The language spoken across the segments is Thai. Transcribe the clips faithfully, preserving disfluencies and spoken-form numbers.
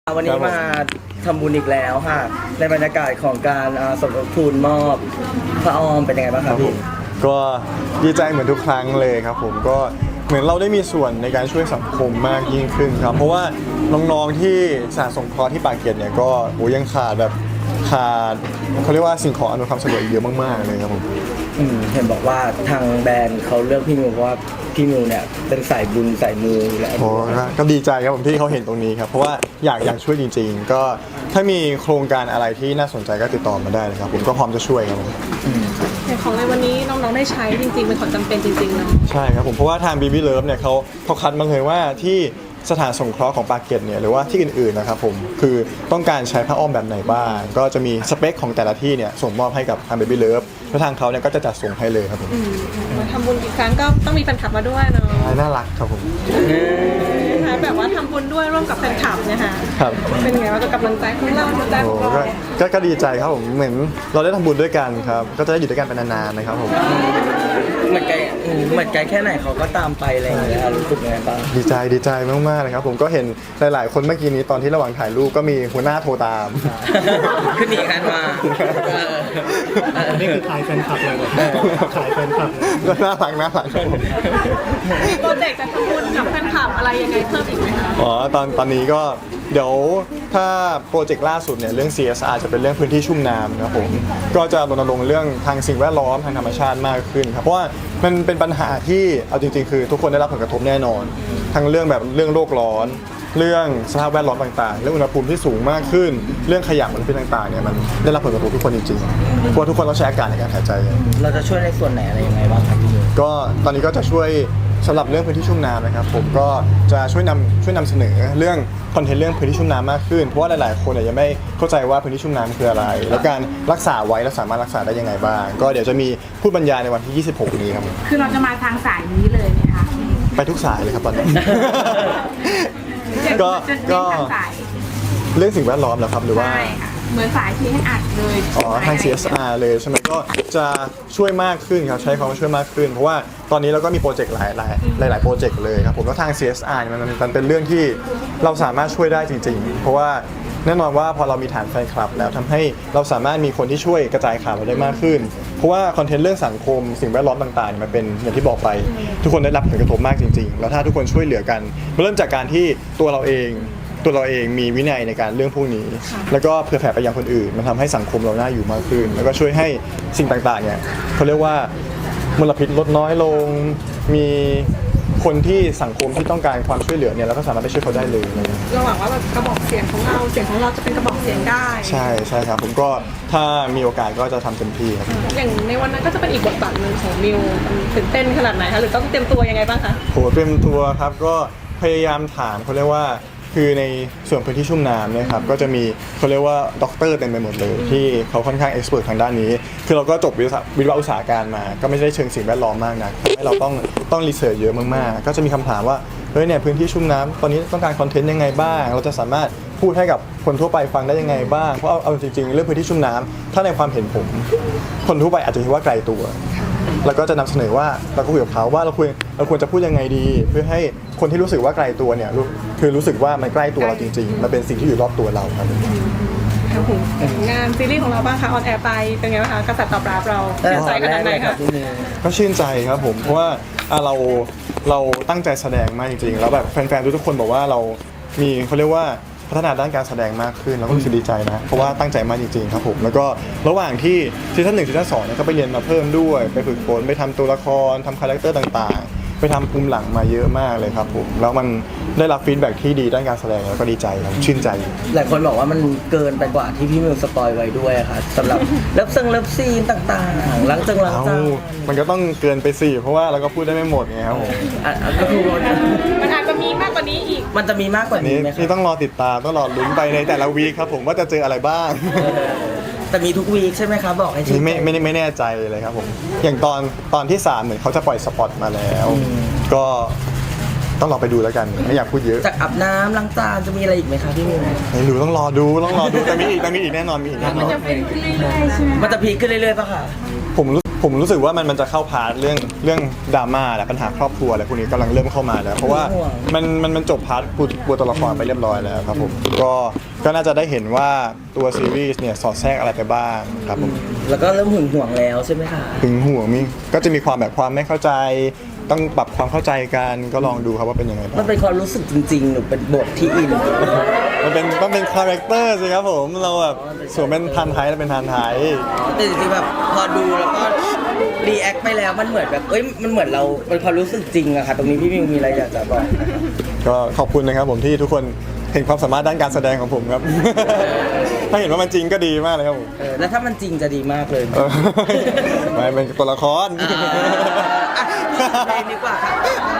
วันนี้มาทำบุญอีกแล้วค่ะในบรรยากาศของการสมทบทุนมอบพระออมเป็นยังไงบ้างครับพี่ก็ดีใจเหมือนทุกครั้งเลยครับผมก็เหมือนเราได้มีส่วนในการช่วยสังคมมากยิ่งขึ้นครับเพราะว่าน้องๆที่สถานสงเคราะห์ที่ปากเกร็ดเนี่ยก็โหยังขาดแบบขาดเขาเรียกว่าสิ่งของอำนวยความสะดวกเยอะมากๆเลยครับผมเห็นบอกว่าทางแบรนด์เขาเลือกพี่มิวเพราะว่าพี่มิวเนี่ยเป็นสายบุญสายมูอยู่แล้วโอ้ก็ดีใจครับผมที่เขาเห็นตรงนี้ครับเพราะว่าอยากอยากช่วยจริงๆก็ถ้ามีโครงการอะไรที่น่าสนใจก็ติดต่อมาได้เลยครับผมก็พร้อมจะช่วยครับผมแต่ของในวันนี้น้องๆได้ใช้จริงๆเป็นของจำเป็นจริงๆเนาะใช่ครับผมเพราะว่าทาง บี บี Love เนี่ยเขาเขาคัดมาเลยว่าที่สถานสงเคราะห์ของปากเกร็ดเนี่ยหรือว่าที่อื่นๆนะครับผมคือต้องการใช้ผ้าอ้อมแบบไหนบ้างก็จะมีสเปคของแต่ละที่เนี่ยส่งมอบให้กับทาง บี บี Love แล้วทางเขาเนี่ยก็จะจัดส่งให้เลยครับผมมาทำบุญอีกครั้งก็ต้องมีแฟนคลับมาด้วยเนาะน่ารักครับผมนะคะแบบว่าทำบุญด้วยร่วมกับแฟนคลับเนี่ยค่ะครับเป็นไงว่าจะกำลังใจของเราใจของเราก็ก็ดีใจครับผมเหมือนเราได้ทำบุญด้วยกันครับก็จะได้อยู่ด้วยกันเป็นนานๆนะครับผมเหมือนไกลเหมือนไกลแค่ไหนเขาก็ตามไปอะไรอย่างเงี้ยรู้สึกยังไงบ้างดีใจดีใจมากๆเลยครับผมก็เห็นหลายๆคนเมื่อกี้นี้ตอนที่ระหว่างถ่ายรูปก็มีหัวหน้าโทรตามขึ้นอีกคันมานี่คือขายแฟนคลับเลยขายแฟนคลับก็น่ารักน่ารักครับผมโปรเจกต์จะทำบุญกับแฟนคลับอะไรยังไงเพิ่มอีกไหมคะอ๋อตอนตอนนี้ก็เดี๋ยวถ้าโปรเจกต์ล่าสุดเนี่ยเรื่อง ซี เอส อาร์ จะเป็นเรื่องพื้นที่ชุ่มน้ำนะครับผมก็จะรณรงค์เรื่องทางสิ่งแวดล้อมทางธรรมชาติมากขึ้นครับเพราะว่ามันเป็นปัญหาที่เอาจริงๆคือทุกคนได้รับผลกระทบแน่นอนทั้งเรื่องแบบเรื่องโลกร้อนเรื่องสภาพแวดล้อมต่างๆเรื่องอุณหภูมิที่สูงมากขึ้นเรื่องขยะมลพิษต่างๆเนี่ยมันได้รับผลกระทบทุกคนจริงๆเพราะทุกคนต้องใช้อากาศในการหายใจเราจะช่วยในส่วนไหนอะไรยังไงบ้างครับพี่ก็ตอนนี้ก็จะช่วยสำหรับเรื่องพื้นที่ชุ่มน้ำนะครับผมก็จะช่วยนำช่วยนำเสนอเรื่องคอนเทนต์เรื่องพื้นที่ชุ่มน้ำมากขึ้นเพราะว่าหลายๆคนเนี่ยยังไม่เข้าใจว่าพื้นที่ชุ่มน้ำคืออะไรแล้วการรักษาไว้และสามารถรักษาได้ยังไงบ้างก็เดี๋ยวจะมีพูดบรรยายในวันที่ยี่สิบหกนี้ครับคือเราจะมาทางสายนี้เลยไหมคะไปทุกสายเลยครับตอนนี้ก็ก็เรื่องสิ่งแวดล้อมเหรอครับหรือว่าเหมือนสายที่ให้อัดเลยอ๋อทาง ซี เอส อาร์ เลยใช่ไหมก็จะช่วยมากขึ้นครับใช้คำว่าช่วยมากขึ้นเพราะว่าตอนนี้เราก็มีโปรเจกต์หลายหลายหลายหลายโปรเจกต์เลยครับผมแล้วทาง ซี เอส อาร์ มันมันเป็นเรื่องที่เราสามารถช่วยได้จริงๆเพราะว่าแน่นอนว่าพอเรามีฐานแฟนคลับแล้วทำให้เราสามารถมีคนที่ช่วยกระจายข่าวเราได้มากขึ้นเพราะว่าคอนเทนต์เรื่องสังคมสิ่งแวดล้อมต่างๆมันเป็นอย่างที่บอกไปทุกคนได้รับผลกระทบมากจริงๆแล้วถ้าทุกคนช่วยเหลือกันเริ่มจากการที่ตัวเราเองตัวเราเองมีวินัยในการเรื่องพวกนี้แล้วก็เผื่อแผ่ไปยังคนอื่นมันทำให้สังคมเราน่าอยู่มากขึ้นแล้วก็ช่วยให้สิ่งต่างๆเนี่ยเขาเรียกว่ามลพิษลดน้อยลงมีคนที่สังคมที่ต้องการความช่วยเหลือเนี่ยเราก็สามารถไปช่วยเขาได้เลยเราหวังว่าแบบกระบอกเสียงของเราเสียงของเราจะเป็นกระบอกเสียงได้ใช่ใช่ครับผมก็ถ้ามีโอกาสก็จะทำเต็มที่ครับอย่างในวันนั้นก็จะเป็นอีกบทบาทหนึ่งของมิวตื่นเต้นขนาดไหนคะหรือต้องเตรียมตัวยังไงบ้างคะโหเตรียมตัวครับก็พยายามถามเขาเรียกว่าคือในส่วนพื้นที่ชุ่มน้ำเนี่ยครับก็จะมีเขาเรียกว่าด็อกเตอร์เต็มไปหมดเลยที่เขาค่อนข้างเอ็กซ์เพรสทางด้านนี้คือเราก็จบวิศวะอุตสาหการมาก็ไม่ได้เชิงสิ่งแวดล้อมมากนะให้เราต้องต้องรีเสิร์ชเยอะมากๆก็จะมีคำถามว่าเฮ้ยเนี่ยพื้นที่ชุ่มน้ำตอนนี้ต้องการคอนเทนต์ยังไงบ้างเราจะสามารถพูดให้กับคนทั่วไปฟังได้ยังไงบ้างเพราะเอาเอาจริงๆเรื่องพื้นที่ชุ่มน้ำถ้าในความเห็นผมคนทั่วไปอาจจะคิดว่าไกลตัวแล้วก็จะนำเสนอว่าเราก็คุยกับเขาว่าเราควรเราควรจะพูดยังไงดีเพื่อให้คนที่รู้สึกว่าไกลตัวเนี่ยคือรู้สึกว่ามันใกล้ตัวเราจริงๆมันเป็นสิ่งที่อยู่รอบตัวเราครับงานซีรีส์ของเราบ้างคะออนแอร์ไปเป็นไงบ้างคะกระแสตอบรับเราชื่นใจขนาดไหนคะก็ชื่นใจครับผมเพราะว่าเราเราตั้งใจแสดงมากจริงๆแล้วแบบแฟนๆทุกคนบอกว่าเรามีเขาเรียกว่าพัฒนาด้านการแสดงมากขึ้นแล้วก็รู้สึกดีใจนะเพราะว่าตั้งใจมากจริงๆครับผมแล้วก็ระหว่างที่ซีซั่นหนึ่งซีซั่นสองเนี่ยก็ไปเรียนมาเพิ่มด้วยไปฝึกฝนไปทำตัวละครทำคาแรคเตอร์ต่างๆไปทำภูมิหลังมาเยอะมากเลยครับผมแล้วมันได้รับฟีดแบ็กที่ดีด้านการแสดงแล้วก็ดีใจครับชื่นใจหลายคนบอกว่ามันเกินไปกว่าที่พี่มิวสปอยไว้ด้วยค่ะสำหรับเลิฟซึ่งเลิฟซีนต่างๆหลังจากหลังจากมันก็ต้องเกินไปสิเพราะว่าเราก็พูดได้ไม่หมดไงครับผมก็คือมันอาจจะมีมากกว่านี้อีกมันจะมีมากกว่านี้ไหมนี่ต้องรอติดตามต้องรอลุ้นไปในแต่ละวีคครับผมว่าจะเจออะไรบ้างแต่มีทุกวีคใช่ไหมครับบอกให้ชี้ไม่ไม่ไม่แน่ใจเลยครับผมอย่างตอนตอนที่สามเหมือนเขาจะปล่อยสปอตมาแล้วก็ต้องรอไปดูแล้วกันไม่อยากพูดเยอะจากอาบน้ำล้างจานจะมีอะไรอีกไหมครับพี่มิวไม่รู้ต้องรอดูต้องรอดูแต่มีอีกแต่มีอีกแน่นอนมีอีกแน่นอนมันจะพีคขึ้นเรื่อยๆมันจะพีคขึ้นเรื่อยๆป่ะคะผมรู้ผมรู้สึกว่ามันมันจะเข้าพาร์ทเรื่องเรื่องดราม่าและปัญหาครอบครัวอะไรพวกนี้กำลังเริ่มเข้ามาแล้ว เพราะว่ามันมันมันจบพาร์ทปูปูตัวละครไปเรียบร้อยแล้วครับผมก็ก็น่าจะได้เห็นว่าตัวซีรีส์เนี่ยสอดแทรกอะไรไปบ้างครับผมแล้วก็เริ่มหึงหวงแล้วใช่ไหมคะถึงห่วงมีก็จะมีความแบบความไม่เข้าใจ ต้องปรับความเข้าใจกันก็ลองดูครับว่าเป็นยังไงบ้างมันเป็นความรู้สึกจริงๆหรือเป็นบทที่อินมันเป็นมันเป็นคาแรคเตอร์สิครับผมเราแบบสวมเป็นทันไทยแล้วเป็นทันไทยแต่จริงๆแบบพอดูแล้วก็รีแอคไปแล้วมันเหมือนแบบเอ้ยมันเหมือนเราเป็นความรู้สึกจริงอะค่ะตรงนี้พี่มิวมีอะไรอยากจะบอกก็ขอบคุณนะครับผมที่ทุกคนเห็นความสามารถด้านการแสดงของผมครับ ถ้าเห็นว่ามันจริงก็ดีมากเลยครับผมเออแล้วถ้ามันจริงจะดีมากเลยเออไม่เป็นตัวละครอ่าอ่ะเพลงดีกว่าค่ะ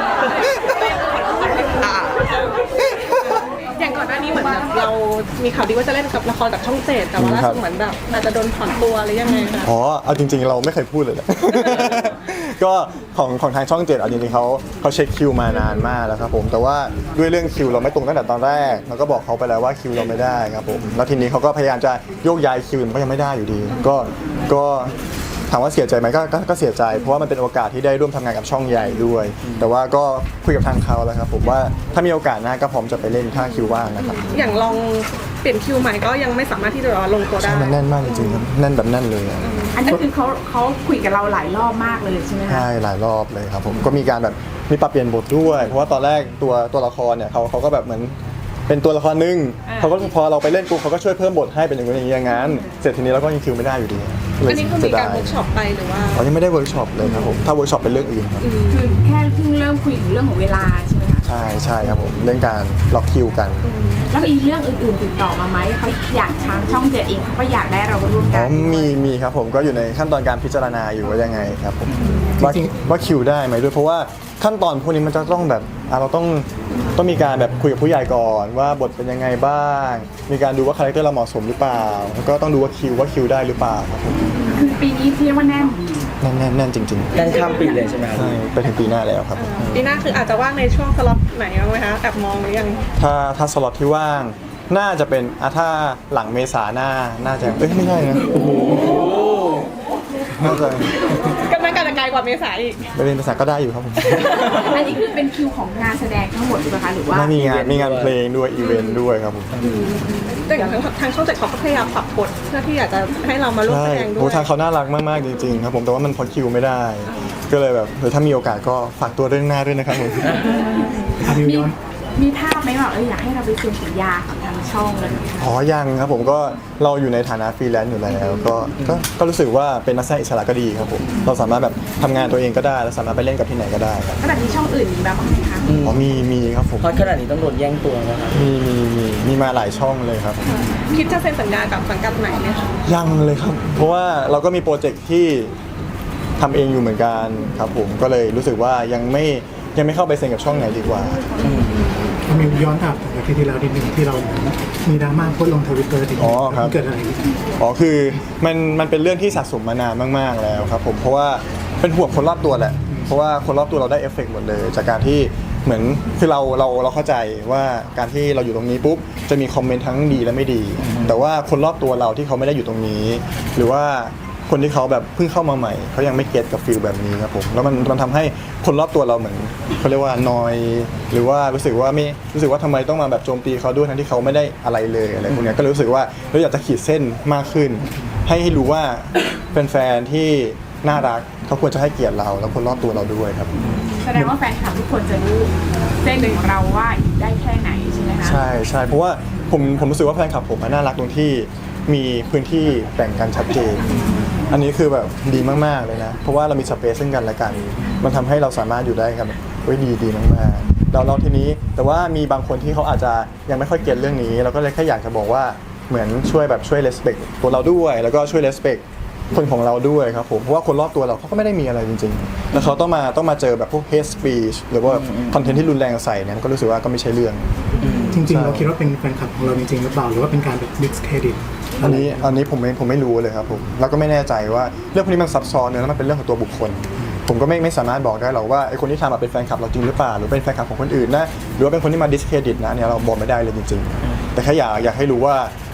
อ่ะอย่างก่อนหน้านี้เหมือนแบบเรามีข่าวดีว่าจะเล่นกับละครกับช่องเจ็ดแต่ว่าล่าสุดเหมือนแบบอาจจะโดนถอนตัวหรือยังไงคะอ๋อเอาจริงๆเราไม่เคยพูดเลยแหละ ก็ของของทางช่องเจ็ดเอาจริงๆเขาเขาเช็คคิวมานานมากแล้วครับผมแต่ว่าด้วยเรื่องคิวเราไม่ตรงตั้งแต่ตอนแรกเราก็บอกเขาไปแล้วว่าคิวเราไม่ได้ครับผมแล้วทีนี้เขาก็พยายามจะโยกย้ายคิวมันก็ยังไม่ได้อยู่ดี ก็ก็ถามว่าเสียใจไหมก็ก็ก็เสียใจเพราะว่ามันเป็นโอกาสที่ได้ร่วมทำงานกับช่องใหญ่ด้วย แต่ว่าก็คุยกับทางเขาแล้วครับผมว่าถ้ามีโอกาสหน้าก็พร้อมจะไปเล่นถ้าคิวว่างนะครับอย่างลองเปลี่ยนคิวใหม่ก็ยังไม่สามารถที่จะลงตัวได้ใช่มันแน่นมากจริงๆครับแน่นแบบแน่นเลยอะอันนี้คือเขาเขาคุยกับเราหลายรอบมากเลยใช่ไหมคะใช่หลายรอบเลยครับผมก็มีการแบบมีปรับเปลี่ยนบทด้วย เพราะว่าตอนแรกตัวตัวละครเนี่ยเขาเขาก็แบบเหมือนเป็นตัวละครหนึงเขาก็พอเราไปเล่นปุ๊บเขาก็ช่วยเพิ่มบทให้เป็นอย่างนี้อย่างนี้อย่างนั้นเสร็จทีนี้เราก็ยังคิวไม่ได้อยู่ดีเลยอันนี้คือมีการเสีเวิยร์กดยช็อปไปหรือว่าอ๋อยังไม่ได้เวิร์กช็อปเลยครับผมถ้าเวิร์กช็อปเป็นเรื่องอื่นครับคือแค่เพิ่งเริ่มคุยถึงเรื่องของเวลาใช่ไหมคะใช่ใช่ครับผมเรื่องการล็อกคิวกันแล้วมีเรื่องอื่นๆติดต่อมาไหมเขาอยากทางช่องเจ็ดเองเขาก็อยากได้เราร่วมอ๋กัอน มีมีครับผมก็อยู่ในขั้นตอนการพิจารณาอยู่ว่ายังไงครับผมว่าว่าคิวได้ไหมด้วยเพราะว่าขั้นตอนพวกนี้มันจะต้องแบบอ่ะเราต้องต้องมีการแบบคุยกับผู้ใหญ่ก่อนว่าบทเป็นยังไงบ้าง มีการดูว่าคาแรคเตอร์เราเหมาะสมหรือเปล่าแล้วก็ต้องดูว่าคิวว่าคิวได้หรือเปล่าครับผมคือปีนี้เรียกว่าแน่นแน่นแน่นแน่นจริงๆกันข้ามปีเลยใช่ไหมครับใช่ไปถึงปีหน้าแล้วครับปีหน้าคืออาจจะว่างในช่วงสล็อตไหนบ้างไหมคะแอบมองหรือยังถ้าถ้าสล็อตที่ว่างน่าจะเป็นอ่ะถ้าหลังเมษาหน้าน่าจะเอ้ยไม่ใช่นะโอ้โหน่าจะก็น่าจะไกลกว่าเมษาอีกไปเรียนภาษาก็ได้อยู่ครับผมอันนี้คือเป็นคิวของงานแสดงทั้งหมดหรือเปล่าคะหรือว่าไม่มีงานมีงานเพลงด้วยอีเวนต์ด้วยครับผมแต่อย่างทางทางช่องเจ็ดเขาก็พยายามปรับบทเพื่อที่อยากจะให้เรามาร่วมใช่แสดงด้โอ้วยทางเขาน่ารักมากๆจริงๆครับผมแต่ว่ามันพอคิวไม่ได้ ก็เลยแบบเออถ้ามีโอกาสก็ฝากตัวเรื่องหน้าด้วยนะครับผมอามิวมีย้อนมีภาพไหมว่าเอออยากให้เราไปเซ็นสัญญากับทางช่องเลยไหมคะอ๋อยังครับผมก็เราอยู่ในฐานะฟรีแลนซ์อยู่แล้วก็ก็ก็รู้สึกว่าเป็นนักแสดงอิสระก็ดีครับผมเราสามารถแบบทำงานตัวเองก็ได้แล้วสามารถไปเล่นกับที่ไหนก็ได้ครับแล้วแบบมีช่องอื่นมีแบบบ้างไหมคะอ๋อมีมีครับผมเพราะขนาดนี้ต้องโดนแย่งตัวนะครับมีมีมีมีมาหลายช่องเลยครับคิดจะเซ็นสัญญากับสังกัดไหนไหมคะยังเลยครับ เพราะว่าเราก็มีโปรเจกต์ที่ทำเองอยู่เหมือนกันครับผมก็เลยรู้สึกว่ายังไม่ยังไม่เข้าไปเซ็นกับช่องไหนดีกว่าอามิวย้อนกลับถึงอาทิตย์ที่แล้วนิดนึงที่เรามีดราม่าโพสต์ลงทวิตเตอร์ทีอ๋อครับเกิดอะไรขึ้นอ๋อคือมันมันเป็นเรื่องที่สะสมมานานมากๆแล้วครับผมเพราะว่าเป็นห่วงคนรอบตัวแหละ เพราะว่าคนรอบตัวเราได้เอฟเฟกต์หมดเลย จากการที่เหมือนคือเราเราเราเข้าใจว่าการที่เราอยู่ตรงนี้ปุ๊บจะมีคอมเมนต์ทั้งดีและไม่ดี แต่ว่าคนรอบตัวเราที่เขาไม่ได้อยู่ตรงนี้ หรือว่าคนที่เขาแบบเพิ่งเข้ามาใหม่เขายังไม่เก็ตกับฟีลแบบนี้ครับผมแล้วมันมันทำให้คนรอบตัวเราเหมือนเขาเรียกว่านอย หรือว่ารู้สึกว่าไม่รู้สึกว่าทำไมต้องมาแบบโจมตีเขาด้วยทั้งที่เขาไม่ได้อะไรเลยอะไรพวกเนี้ยก็รู้สึกว่าเราอยากจะขีดเส้นมากขึ้น ให้ให้รู้ว่าเป็นแฟนที่น่ารักเขาควรจะให้เกียรติเราแล้วคนรอบตัวเราด้วยครับแสดงว่าแฟนคลับทุกคนจะรู้เส้นของเราว่าอยู่ได้แค่ไหนใช่ไหมคะใช่ใช่เพราะว่าผมผมรู้สึกว่าแฟนคลับผมอะน่ารักตรงที่มีพื้นที่แบ่งกันชัดเจน อันนี้คือแบบดีมากๆเลยนะ เพราะว่าเรามีสเปซซึ่งกันและกัน มันทำให้เราสามารถอยู่ได้กันเว้ยดีดีมากๆเราเราทีนี้แต่ว่ามีบางคนที่เขาอาจจะยังไม่ค่อยเก็ตเรื่องนี้ เราก็เลยแค่อยากจะบอกว่าเหมือนช่วยแบบช่วย respect ตัวเราด้วย แล้วก็ช่วย respect คนของเราด้วยครับผมเพราะว่าคนรอบตัวเราเขาก็ไม่ได้มีอะไรจริงๆ แล้วเขาต้องมาต้องมาเจอแบบพวก hate speech หรือว่าคอนเทนต์ที่รุนแรงใส่เนี่ยก็รู้สึกว่าก็ไม่ใช่เรื่องจริงๆ เราคิดว่าเป็นแฟนคลับของเราจริงๆหรือเปล่าหรือว่าเป็นการแบบ discredit อันนี้อันนี้ผมไม่ผมไม่รู้เลยครับผมแล้วก็ไม่แน่ใจว่าเรื่องพวกนี้มันซับซ้อนเนอะแล้วมันเป็นเรื่องของตัวบุคคล ผมก็ไม่ไม่สามารถบอกได้หรอกว่าไอ้คนที่ทำอะเป็นแฟนคลับเราจริงหรือเปล่าหรือเป็นแฟนคลับของคนอื่นนะหรือว่าเป็นคนที่มา discredit นะเนี่ยเราบอกไม่ได้เลยจริงๆ แต่แค่อยากอยากให้รู้ว่า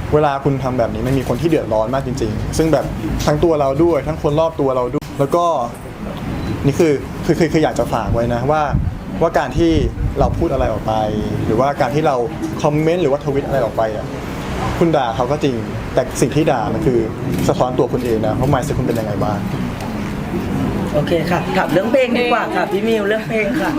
เวลาคุณทำแบบนี้มันมีคนที่เดือดร้อนมากจริงๆ ซึ่งแบบทั้งตัวเราด้วยทั้งคนรอบตัวเราด้วยแล้วก็นี่คือคือคือคืออยากจะฝากไว้นะว่าว่าการที่เราพูดอะไรออกไป หรือว่าการที่เราคอมเมนต์หรือว่าทวิตอะไรออกไปอ่ะคุณด่าเขาก็จริง แต่สิ่งที่ด่ามันคือสะท้อนตัวคุณเองนะว่า mindset คุณเป็นยังไงบ้างโอเคค่ะถามเรื่องเพลงดีกว่าค่ะพี่มิวเรื่องเพลงค่ะ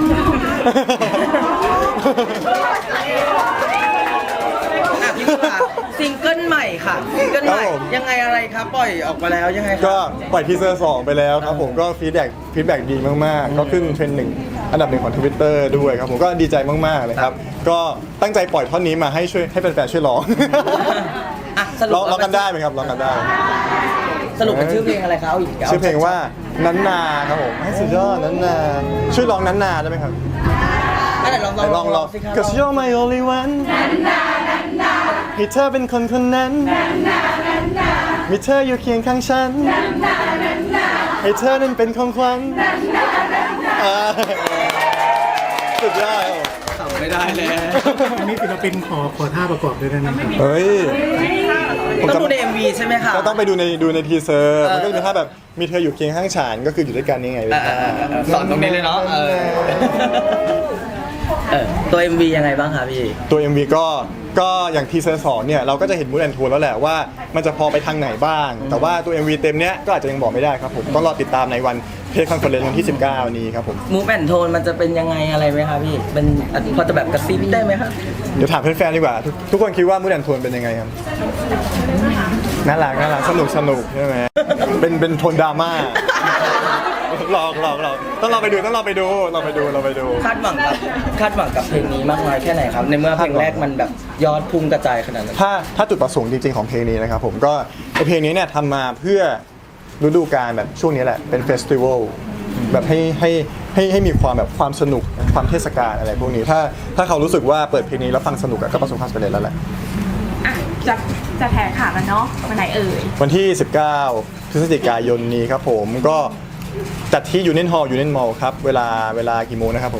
อ่ะพี่มิวค่ะซิงเกิลใหม่ค่ะซิงเกิลใหม่ครับผมยังไงอะไรครับปล่อยออกมาแล้วยังไงครับก็ปล่อยทีเซอร์สองไปแล้วครับผมก็ฟีดแบ็กฟีดแบ็กดีมากๆ ก็ขึ้นเทรนด์หนึ่งอันดับหนึ่งของ Twitter ด้วยครับผมก็ดีใจมากๆเลยครับ ก็ตั้งใจปล่อยท่อนนี้มาให้ช่วยให้แฟนๆช่วยร้องอ่ะสรุร้ปองร้องกันได้ไหมครับร้องกันได้สรุปเป็นชื่อเพลงอะไรครับเอาอีกชื่อเพลงว่านันนาครับผมให้สุดยอดนันนาช่วยร้องนันนาได้ไหมครับอ่ะไหนลองลองลองลองสิครับ Cause you're my only one ให้เธอเป็นคนคนนั้นมีเธออยู่เคียงข้างฉันให้เธอนั้นเป็นของขวัญอ่าสุดยอดครับผมไม่ได้เลยอันนี้ศิลปินขอขอท่าประกอบด้วยได้ไหมครับเฮ้ยผมต้องจะดูใน เอ็ม วี ใช่ไหมคะก็ต้องไปดูในดูในทีเซอร์เออมันก็จะมีท่าแบบมีเธออยู่เคียงข้างฉันก็คืออยู่ด้วยกันนี่ไงเออเออเออเออสอนตรงนี้เลยเนาะเออเออตัว เอ็ม วี ยังไงบ้างคะพี่ตัว เอ็ม วี ก็ก็อย่างทีเซอร์สองเนี่ยเราก็จะเห็นมูดแอนโทนแล้วแหละว่ามันจะพอไปทางไหนบ้าง แต่ว่าตัว เอ็ม วี เต็มเนี้ยก็อาจจะยังบอกไม่ได้ครับผมต้องรอติดตามในวันเพจคอนเฟอเรนซ์วันที่สิบเก้านี้ครับผมมูฟแอนโทนมันจะเป็นยังไงอะไรไหมคะพี่เป็นอ่ะพอจะแบบกระซิบได้ไหมคะเดี๋ยวถามแฟนๆดีกว่าทุกทุกคนคิดว่ามูดแอนโทนเป็นยังไงครับน่ารักน่ารักสนุกสนุกใช่ไหมเป็นเป็นโทนดราม่าหลอกหลอกหลอกต้องเราไปดูต้องเราไปดูเราไปดูเราไปดูคาดหวังกับคาดหวังกับเพลงนี้มากน้อยแค่ไหนครับ ในเมื่อเพลงแรกมันแบบยอดพุ่งกระจายขนาดนั้นถ้าถ้าจุดประสงค์จริงๆของเพลงนี้นะครับผมก็ไอเพลงนี้เนี่ยทำมาเพื่อฤดูกาลแบบช่วงนี้แหละเป็นเฟสติวัลแบบให้ให้ให้ให้มีความแบบความสนุกความเทศกาลอะไรพวกนี้ถ้าถ้าเขารู้สึกว่าเปิดเพลงนี้แล้วฟังสนุกอะก็ประสบความสำเร็จแล้วแหละอ่ะจะจะแถข่าวกันเนาะวันไหนเอ่ยวันที่ สิบเก้า พฤศจิกายนนี้ครับผมก็จัดที่ยูเนียนฮอลล์ยูเนียนมอลล์ครับเวลาเวลากี่โมงนะครับผม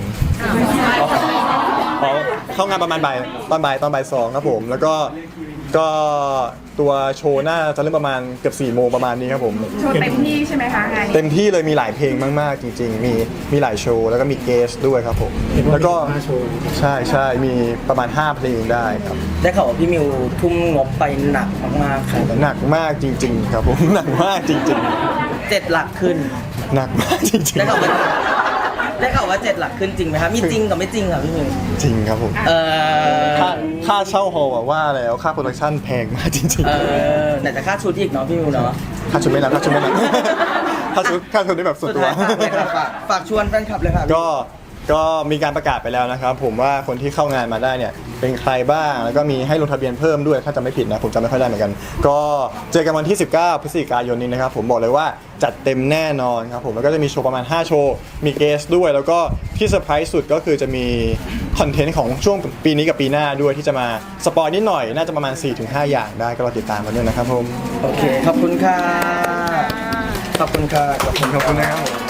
อ๋อเข้างานประมาณบ่ายตอนบ่ายตอนบ่ายสองครับผมแล้วก็ก็ตัวโชว์น่าจะเริ่มประมาณเกือบสี่โมงประมาณนี้ครับผมโชว์เต็มที่ใช่ไหมคะงานนี้เต็มที่เลยมีหลายเพลงมากๆจริงๆ มีมีหลายโชว์แล้วก็มีเกสด้วยครับผมเห็นว่าแล้วก็มีห้าโชว์ใช่ใช่มีประมาณห้าเพลงได้ครับได้ข่าวว่าพี่มิวทุ่มงบไปหนักมากๆค่ะหนักมากจริง ๆ ครับผม หนักมากจริงเจ็ดหลักขึ้นๆ หนักมากจริงได้ข่าวว่าได้ข่าวว่าเจ็ดหลักขึ้นจริงไหมครับมีจริงกับไม่จริงครับพี่มิวๆ จริงครับผมเออค่าค่าเช่าฮอลล์อะว่าแล้วค่าโปรดักชั่นแพงมากจริงเออไหนจะค่าชุดอีกเนาะพี่มิวเนาะๆค่าชุดไม่นับค่าชุดไม่นับ ค่าชุดค่าชุดนี่แบบส่วนสุดตัวท้ายฝากเลยครับฝากฝากชวนแฟนคลับเลยครับก็ก็มีการประกาศไปแล้วนะครับผมว่าคนที่เข้างานมาได้เนี่ยเป็นใครบ้างแล้วก็มีให้ลงทะเบียนเพิ่มด้วยถ้าจำไม่ผิดนะผมจำไม่ค่อยได้เหมือนกัน ก็เจอกันวันที่ สิบเก้า พฤศจิกายนนี้นะครับผมบอกเลยว่าจัดเต็มแน่นอนครับผมแล้วก็จะมีโชว์ประมาณห้าโชว์มีเกสด้วย แล้วก็ที่เซอร์ไพรส์สุดก็คือจะมีคอนเทนต์ของช่วงปีนี้กับปีหน้าด้วยที่จะมาสปอยนิดหน่อยน่าจะประมาณ สี่ถึงห้า อย่างได้ก็รอติดตามกันด้วยนะครับผมโอเคขอบคุณค่ะขอบคุณค่ะขอบคุณขอบคุณนะครับผม